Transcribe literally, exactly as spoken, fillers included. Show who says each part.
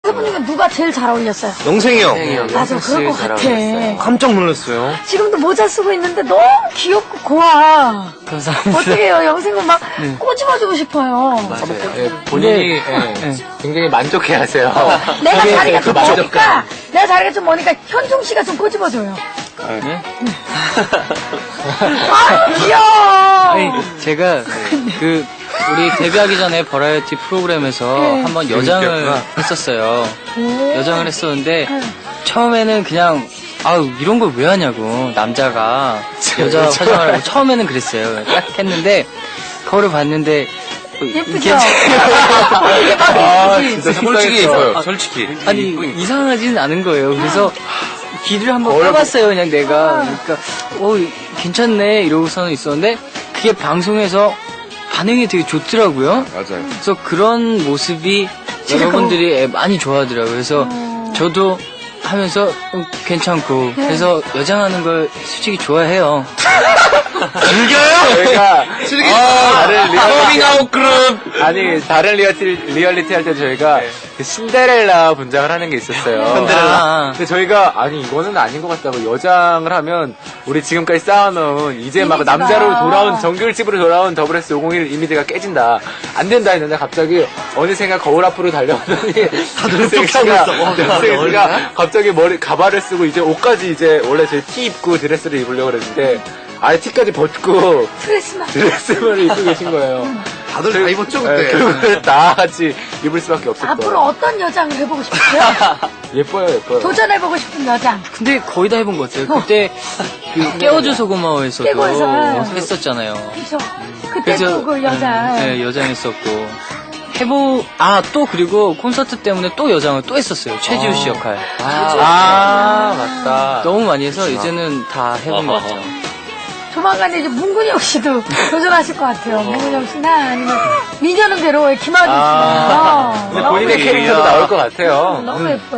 Speaker 1: 세 분 중에 누가 제일 잘 어울렸어요?
Speaker 2: 영생이 형.
Speaker 1: 맞아, 그럴 것 같아.
Speaker 2: 깜짝 놀랐어요.
Speaker 1: 지금도 모자 쓰고 있는데 너무 귀엽고 고와.
Speaker 3: 감사합니다.
Speaker 1: 어떻게 해요? 영생은 막 꼬집어주고 싶어요.
Speaker 4: 예, 본인이 예, 굉장히 만족해하세요.
Speaker 1: 내가 자리가 좀
Speaker 4: 만족감.
Speaker 1: 머니까, 내가 자리가 좀 머니까 현중 씨가 좀 꼬집어줘요.
Speaker 3: 네?
Speaker 1: 아, 귀여워.
Speaker 3: 아니, 제가 그 우리 데뷔하기 전에 버라이어티 프로그램에서
Speaker 1: 네.
Speaker 3: 한번 여장을
Speaker 2: 재밌겠구나.
Speaker 3: 했었어요.
Speaker 1: 오.
Speaker 3: 여장을 했었는데
Speaker 1: 네.
Speaker 3: 처음에는 그냥 아유 이런 걸 왜 하냐고 남자가 여자 화장을 하고 처음에는 그랬어요. 딱 했는데 거울을 봤는데
Speaker 1: 예쁘죠?
Speaker 3: 이게
Speaker 1: 이게 막
Speaker 4: 아,
Speaker 1: 예쁘지?
Speaker 4: 진짜
Speaker 2: 솔직히
Speaker 4: 속상했어요.
Speaker 2: 예뻐요. 솔직히.
Speaker 3: 아니 이상하진 않은 거예요. 그래서 귀를 한번 까봤어요. 그냥 내가 그러니까 어 괜찮네 이러고서는 있었는데 그게 방송에서 반응이 되게 좋더라고요.
Speaker 2: 맞아요.
Speaker 3: 그래서 그런 모습이 여러분들이 많이 좋아하더라고요. 그래서 저도 하면서 음, 괜찮고 그래서 여장하는 걸 솔직히 좋아해요.
Speaker 2: 즐겨요?
Speaker 4: 저희가
Speaker 2: 즐기.
Speaker 4: 다른 리얼리티
Speaker 2: 커밍아웃 그룹.
Speaker 4: 아니 다른 리얼리티, 리얼리티 할 때 저희가 그 신데렐라 분장을 하는 게 있었어요.
Speaker 3: 아,
Speaker 4: 근데 저희가 아니 이거는 아닌 것 같다고 여장을 하면 우리 지금까지 쌓아놓은 이제 막
Speaker 1: 이미지가.
Speaker 4: 남자로 돌아온 정규일집으로 돌아온 더블에스 오공일 이미지가 깨진다. 안 된다 했는데 갑자기 어느샌가 거울 앞으로 달려오더니 다들 가 갑자기 머리 가발을 쓰고 이제 옷까지 이제 원래 저희 티 입고 드레스를 입으려고 그랬는데 아예 티까지 벗고
Speaker 1: 드레스만.
Speaker 4: 드레스를 입고 계신 거예요.
Speaker 2: 다들 다 입었죠
Speaker 4: 네,
Speaker 2: 그때.
Speaker 4: 결국은 다 같이 입을 수밖에 없었던.
Speaker 1: 앞으로 어떤 여장을 해보고 싶으세요?
Speaker 4: 예뻐요, 예뻐요.
Speaker 1: 도전해보고 싶은 여장.
Speaker 3: 근데 거의 다 해본 것 같아요. 그때 그 깨워줘서 고마워에서도
Speaker 1: 깨고에서.
Speaker 3: 했었잖아요.
Speaker 1: 그죠? 그때 또 그 여장.
Speaker 3: 네, 여장했었고. 해보, 아, 또 그리고 콘서트 때문에 또 여장을 또 했었어요. 최지우 씨 역할.
Speaker 4: 아, 맞다.
Speaker 3: 너무 많이 해서 이제는 다 해본 것 같아요.
Speaker 1: 조만간에 이제 문근영 씨도 도전하실 것 같아요. 문근영 씨나 아니면 미녀는 괴로워의 김하중 씨나.
Speaker 4: 아,
Speaker 1: 어,
Speaker 4: 근데
Speaker 1: 너무
Speaker 4: 본인의
Speaker 1: 예뻐요.
Speaker 4: 캐릭터도 나올 것 같아요.
Speaker 1: 너무 예뻐요.